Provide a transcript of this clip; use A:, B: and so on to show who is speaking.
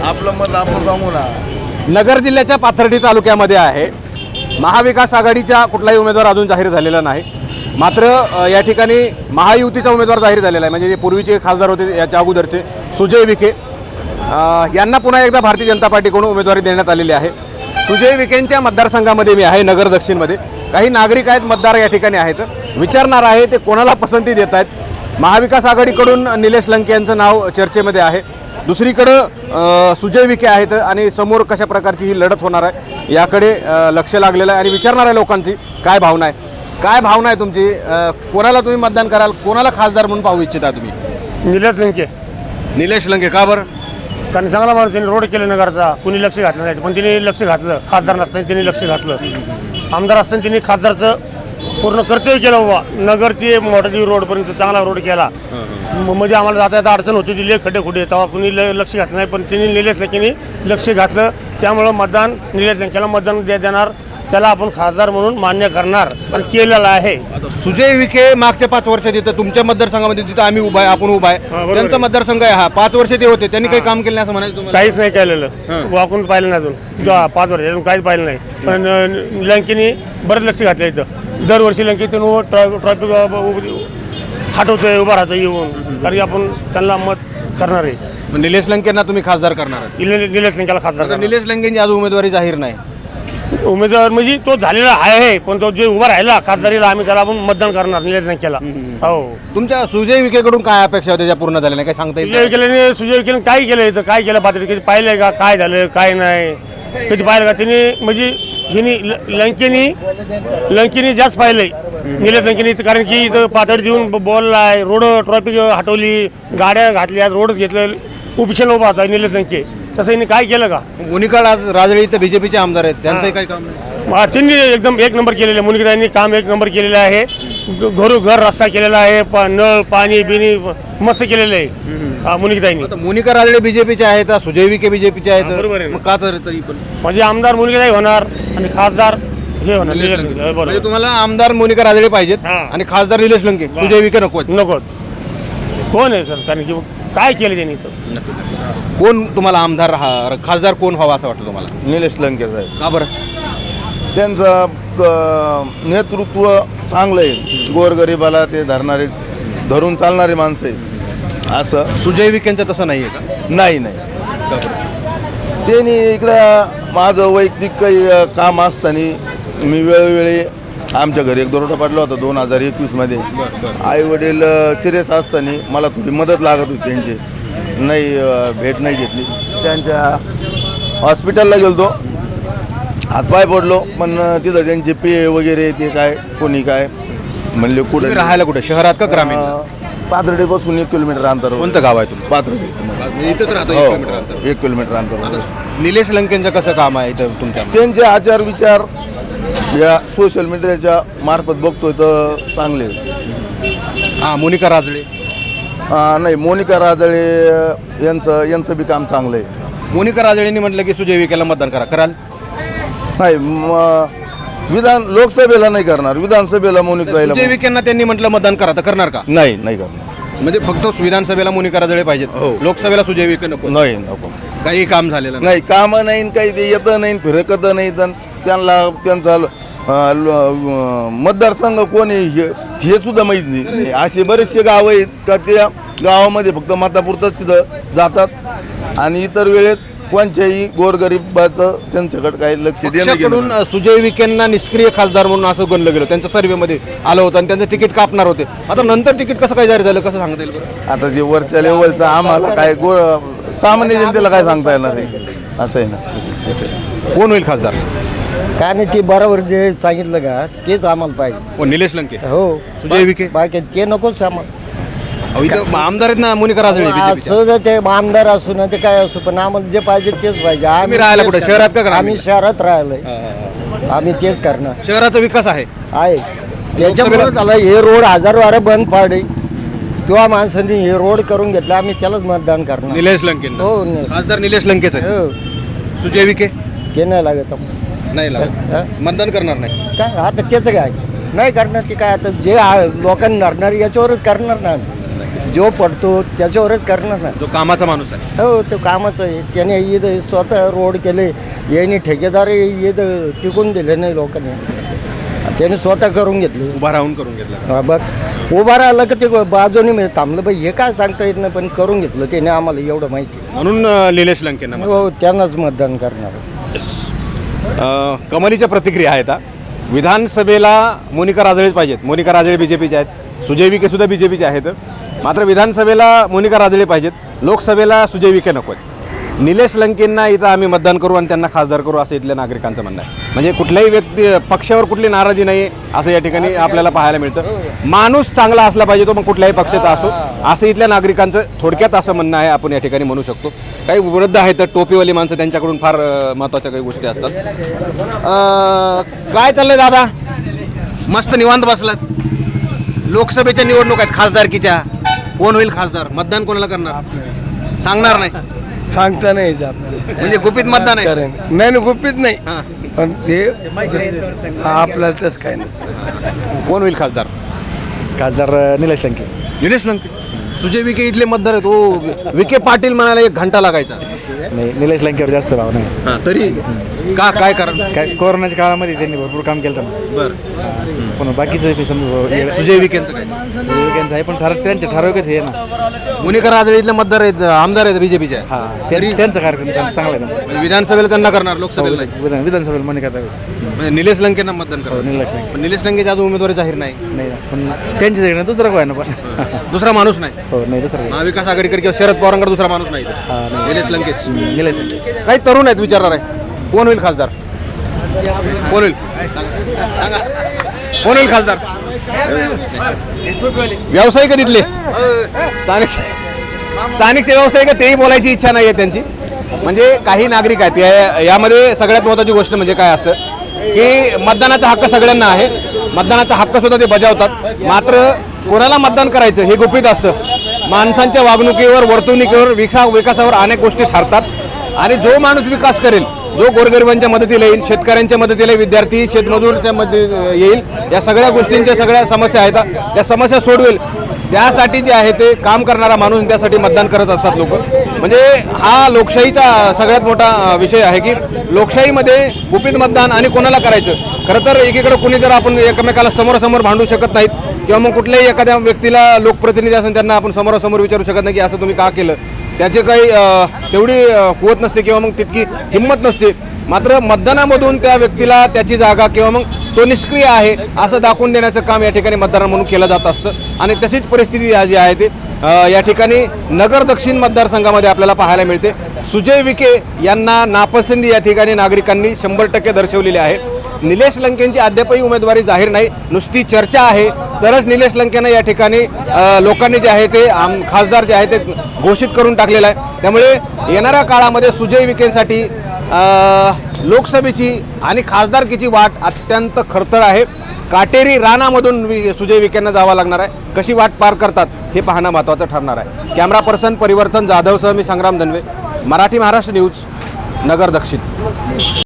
A: आपलं मत आपण सांगू ना.
B: नगर जिल्ह्याच्या पाथर्डी तालुक्यामध्ये आहे. महाविकास आघाडीचा कुठलाही उमेदवार अजून जाहीर झालेला नाही. मात्र या ठिकाणी महायुतीचा उमेदवार जाहीर झालेला आहे. म्हणजे जे पूर्वीचे खासदार होते याच्या अगोदरचे सुजय विखे यांना पुन्हा एकदा भारतीय जनता पार्टीकडून उमेदवारी देण्यात आलेली आहे. सुजय विखेंच्या मतदारसंघामध्ये मी आहे, नगर दक्षिणमध्ये. काही नागरिक आहेत, मतदार या ठिकाणी आहेत. विचारणार आहे ते कोणाला पसंती देत आहेत. महाविकास आघाडीकडून निलेश लंके यांचं नाव चर्चेमध्ये आहे. दुसरीकडं सुजय विखे आहेत आणि समोर कशा प्रकारची ही लढत होणार आहे याकडे लक्ष लागलेलं आहे. आणि विचारणार आहे लोकांची काय भावना आहे. काय भावना आहे तुमची? कोणाला तुम्ही मतदान कराल? कोणाला खासदार म्हणून पाहू इच्छिता तुम्ही?
C: निलेश लंके.
B: निलेश लंके का बरं?
C: कारण चांगला माणूस त्यांनी रोड केले नगरचा. कुणी लक्ष घातलं नाही, पण त्यांनी लक्ष घातलं. खासदार नसताना त्यांनी लक्ष घातलं. आमदार असताना त्यांनी खासदारचं पूर्ण कर्तव्य केलं. बाबा नगर ते मोठाची रोडपर्यंत चांगला रोड केला. मध्ये आम्हाला जाता येता अडचण होती, दिले खड्डे खुडे, तेव्हा कुणी लक्ष घातलं नाही. पण त्यांनी निलेश लंकेनी लक्ष घातलं. त्यामुळं मतदान निलेश लंकेला मतदान देणार. त्याला आपण खासदार म्हणून मान्य करणार आणि केलेलं आहे.
B: सुजय विखे मागच्या 5 वर्षात येतं तुमच्या मतदारसंघामध्ये, जिथं आम्ही उभा आहे, आपण उभा आहे, त्यांचा मतदारसंघ आहे हा. 5 वर्ष ते होते, त्यांनी काही काम केलं नाही असं म्हणायचं तुम्हाला?
C: काहीच नाही केलेलं. वाकून पाहिलं नाही अजून 5 वर्ष अजून काहीच पाहिलं नाही. पण लंकेनी बरंच लक्ष घातलं इथं. दरवर्षी लंकेतून ट्रॉफिक हटवतोय, उभा राहतो येऊन. कारण की आपण त्यांना मत करणार आहे.
B: निलेश लंकेंना तुम्ही खासदार करणार आहात?
C: निलेश लंकेला खासदार करणार.
B: निलेश लंकेंची आज उमेदवारी जाहीर नाही.
C: उमेदवार म्हणजे तो झालेला आहे, पण तो जे उभा राहिला खासदारीला आम्ही त्याला आपण मतदान करणार निलेश लंकेला. हो.
B: तुमच्या सुजय विखेकडून काय अपेक्षा होत्या ज्या पूर्ण झाल्या नाही, काय सांगता येईल?
C: सुजय विखेने काय केलं इथं? काय केलं पात्र कधी पाहिलंय का? काय झालं काय नाही कधी पाहिलं का? त्यांनी म्हणजे हिनी लंकेनी जास्त पाहिलंय निलेश लंकेनी. कारण की इथं पातळी देऊन बोललाय, रोड ट्रॉफिक हटवली, गाड्या घातल्या, रोड घेतलं, उपिशन उभा होता निलेश लंके. तसं यांनी काय केलं का?
B: मोनिका राजळे इथं बीजेपीचे आमदार आहेत, त्यांचंही काय काम नाही?
C: त्यांनी एकदम एक नंबर केलेलं आहे. मोनिकाताईंनी काम एक नंबर केलेलं आहे. घरोघर रस्ता केलेला आहे, नळ पाणी बिनी मस्त केलेलं आहे मोनिकाताईंनी.
B: मोनिका राजळे बीजेपीचे आहेत, सुजय विखे बीजेपीचे आहेत.
C: बरोबर आहे.
B: मग का तर तरी पण
C: म्हणजे आमदार मोनिकाताई होणार आणि खासदार हे होणार निलेश लंके.
B: म्हणजे तुम्हाला आमदार मोनिका राजळे पाहिजेत आणि खासदार निलेश लंके, सुजय विखे नको?
C: कोण आहे सर? कारण की काय केलं त्यांनी इथं?
B: कोण तुम्हाला आमदार खासदार कोण व्हावा असं वाटतं तुम्हाला?
A: निलेश लंके साहेब.
B: का बरं?
A: त्यांचं नेतृत्व चांगलं आहे. गोरगरिबाला ते धरून चालणारे माणसं आहेत. असं
B: सुजय विखेंचं तसं नाही आहे का?
A: नाही. त्यांनी इकडं माझं वैयक्तिक काही काम असताना मी वेळोवेळी आमच्या घरी एक दरोडा पडला होता 2021मध्ये. आई वडील सिरियस असताना मला थोडी मदत लागत होती त्यांची. नाही भेट नाही घेतली. त्यांच्या हॉस्पिटलला गेलो, हातपाय पडलो, पण तिथं त्यांचे पे वगैरे ते काय कोणी काय म्हणले. कुठे
B: राहायला? कुठे, शहरात का ग्रामीण?
A: पाथर्डीपासून 1 किलोमीटर अंतर.
B: कोणतं गाव आहे तुमचं?
A: पाथर्डी.
B: इथंच राहतो.
A: 1 किलोमीटर अंतर.
B: निलेश लंकेंचं कसं काम आहे इथं तुमच्या?
A: त्यांचे आचार विचार या सोशल मीडियाच्या मार्फत बघतोय तर चांगले.
B: हां, मोनिका राजळे
A: नाही, मोनिका राजळे यांचं बी काम चांगलं आहे.
B: मोनिका राजळेंनी म्हटलं की सुजय विखेला मतदान कराल?
A: नाही, लोकसभेला नाही करणार, विधानसभेला मोनिका.
B: सुजय विखेंना त्यांनी म्हटलं मतदान करा, तर करणार का?
A: नाही करणार.
B: म्हणजे फक्त विधानसभेला मोनिका राजळे पाहिजेत, लोकसभेला सुजय विखे नको?
A: नाही, नको.
B: काही काम झालेलं
A: नाही, कामं नाही, काही ते येतं नाही, फिरकत नाही. त्यांचा मतदारसंघ कोण आहे हे सुद्धा माहीत नाही. असे बरेचसे गाव आहेत का त्या गावामध्ये फक्त मतापुरतंच तिथं जातात आणि इतर वेळेत कोणत्याही गोरगरिबाचं त्यांच्याकडे काही लक्ष देणं.
B: सुजय विखेंना निष्क्रिय खासदार म्हणून असं गणलं गेलं, त्यांच्या सर्व्हेमध्ये आलं होतं आणि त्यांचं तिकीट कापणार होते. आता नंतर तिकीट कसं काय जाहीर झालं, कसं सांगता येईल?
A: आता जे वरच्या लेवलचं आम्हाला काय सामान्य जनतेला काय सांगता येणार आहे? असं आहे ना.
B: कोण होईल खासदार?
D: काय नाही, ते बरोबर जे सांगितलं का तेच आम्हाला पाहिजे.
B: निलेश लंके?
D: हो.
B: सुजय विखे?
D: बाकी ते नकोच आम्हाला.
B: इथं आमदार आहेत ना मोनिका राजळे.
D: असं ते आमदार असू ना ते काय असू, पण आम्हाला जे पाहिजे तेच पाहिजे.
B: आम्ही राहायला कुठे, शहरात का?
D: आम्ही शहरात राहिलोय, आम्ही तेच करणार.
B: शहराचा विकास आहे
D: त्याच्यामुळे झालं. हे रोड 1000 वारा बंद पाडे किंवा माणसांनी हे रोड करून घेतला, आम्ही त्यालाच मतदान करणार.
B: निलेश लंके?
D: हो,
B: खासदार निलेश लंकेच आहे. सुजय विखे
D: ते नाही लागत,
B: नाही लागत, मतदान करणार नाही.
D: काय आता त्याचं काय नाही करणार. ते काय आता जे लोकांना नडणार याच्यावरच करणार ना. जो पडतो त्याच्यावरच करणार ना.
B: जो कामाचा माणूस आहे.
D: हो तो कामाचं आहे. त्याने इथं स्वतः रोड केले, यांनी ठेकेदार इथं टिकून दिले नाही लोकांनी, त्याने स्वतः करून घेतले.
B: उभा राहून करून घेतला.
D: हा बघ, उभा राहिलं का ते बाजूने म्हणजे थांबलं बाई, हे काय सांगता येत नाही, पण करून घेतलं त्याने, आम्हाला एवढं माहिती.
B: म्हणून निलेश लंकेंना
D: हो त्यांनाच मतदान करणार.
B: कमलीच्या प्रतिक्रिया आहेत. विधानसभेला मोनिका राजळेच पाहिजेत. मोनिका राजळे BJPचे आहेत, सुजय विखे सुद्धा BJPचे आहेत. मात्र विधानसभेला मोनिका राजळे पाहिजेत, लोकसभेला सुजय विखे नको आहेत. निलेश लंकेंना इथं आम्ही मतदान करू आणि त्यांना खासदार करू असं इथल्या नागरिकांचं म्हणणं आहे. म्हणजे कुठल्याही व्यक्ती पक्षावर कुठली नाराजी नाही असं या ठिकाणी आपल्याला पाहायला मिळतं. माणूस चांगला असला पाहिजे तो मग कुठल्याही पक्षाचा असो असं इथल्या नागरिकांचं थोडक्यात असं म्हणणं आहे. आपण या ठिकाणी म्हणू शकतो. काही वृद्ध आहेत तर टोपीवाली माणसं, त्यांच्याकडून फार महत्त्वाच्या काही गोष्टी असतात. काय चाललंय दादा? मस्त निवांत बसलात. लोकसभेच्या निवडणूक आहेत, खासदारकीच्या. कोण होईल खासदार? मतदान कोणाला करणार? सांगणार नाही,
E: सांगता नाही यायचं आपल्याला.
B: म्हणजे गुपित मतदान आहे.
E: नाही गुपित नाही,
B: हां.
E: पण ते आपल्याला तसं काय नसतं.
B: कोण होईल खासदार?
F: खासदार निलेश लंके.
B: निलेश लंके. सुजय विखे इथले मतदार आहेत. ओ विखे पाटील म्हणायला 1 घंटा लागायचा.
F: नाही, निलेश लंकेवर जास्त भाव नाही.
B: हां, तरी काय कारण?
F: काय कोरोनाच्या काळामध्ये त्यांनी भरपूर काम केलं होतं.
B: बरं.
F: पण बाकीचं
B: सुजय विखेंचं काय?
F: सुविधांचं आहे, पण त्यांचं ठराविकच आहे ना.
B: मोनिका राजळे इथले मतदार आहेत, आमदार आहेत BJPचे.
F: हां, त्यांचा कार्यक्रम चांगला आहे त्यांचा.
B: म्हणजे विधानसभेला त्यांना करणार, लोकसभेला नाही.
F: विधानसभेला मने करता
B: म्हणजे निलेश लंकेंना मतदान करणार.
F: निलेश लंके
B: पण निलेश लंकेच्या अजून उमेदवारी जाहीर नाही.
F: नाही ना, पण त्यांच्याकडे दुसरं काय ना पण.
B: दुसरा माणूस नाही.
F: हो नाही दुसरं काय.
B: महाविकास आघाडीकडे किंवा शरद पवारांकडे दुसरा माणूस नाही. निलेश लंकेच.
F: निलेश लंके.
B: काही तरुण आहेत विचारणार आहे, कोण होईल खासदार? कोण होईल? सांगा. कोण होईल खासदार? व्यावसायिक तिथले स्थानिकचे व्यावसायिक, तेही बोलायची इच्छा नाही आहे त्यांची. म्हणजे काही नागरिक आहेत यामध्ये. सगळ्यात महत्त्वाची गोष्ट म्हणजे काय असतं की मतदानाचा हक्क सगळ्यांना आहे. मतदानाचा हक्क सुद्धा ते बजावतात. मात्र कोणाला मतदान करायचं हे गुपित असतं. माणसांच्या वागणुकीवर, वर्तणुकीवर, विकासावर अनेक गोष्टी ठरतात. आणि जो माणूस विकास करेल, जो गोरगरिबांच्या मदतीला येईल, शेतकऱ्यांच्या मदतीला, विद्यार्थी शेतमजूरच्या मदत येईल, या सगळ्या गोष्टींच्या सगळ्या समस्या आहेत त्या समस्या सोडवेल, त्यासाठी जे आहे ते काम करणारा माणूस, त्यासाठी मतदान करत असतात लोक. म्हणजे हा लोकशाहीचा सगळ्यात मोठा विषय आहे की लोकशाहीमध्ये गुपित मतदान आणि कोणाला करायचं. खरं तर एकीकडे कुणी जर आपण एकमेकाला समोरासमोर भांडू शकत नाहीत किंवा मग कुठल्याही एखाद्या व्यक्तीला लोकप्रतिनिधी असून त्यांना आपण समोरासमोर विचारू शकत नाही की असं तुम्ही का केलं. त्याचे काही तेवढी कुवत नसते किंवा मग तितकी हिंमत नसते. मात्र मतदानामधून त्या व्यक्तीला त्याची जागा किंवा मग तो निष्क्रिय आहे असं दाखवून देण्याचं काम या ठिकाणी मतदार म्हणून केलं जात असतं. आणि तशीच परिस्थिती जी आहे ते या ठिकाणी नगर दक्षिण मतदारसंघामध्ये आपल्याला पाहायला मिळते. सुजय विखे यांना नापसंती या ठिकाणी नागरिकांनी 100% दर्शवलेली आहे. निलेश लंकेंची अद्यापही उमेदवारी जाहीर नाही, नुसती चर्चा आहे. तरच निलेश लंकेंना या ठिकाणी लोकांनी जे आहे ते खासदार जे आहे ते घोषित करून टाकलेलं आहे. त्यामुळे येणाऱ्या काळामध्ये सुजय विखेंसाठी लोकसभेची आणि खासदारकीची वाट अत्यंत खडतर आहे. काटेरी रानामधून सुजय विखेंना जावं लागणार आहे. कशी वाट पार करतात हे पाहणं महत्त्वाचं ठरणार आहे. कॅमेरा पर्सन परिवर्तन जाधवसह मी संग्राम धनवे, मराठी महाराष्ट्र न्यूज, नगर दक्षिण.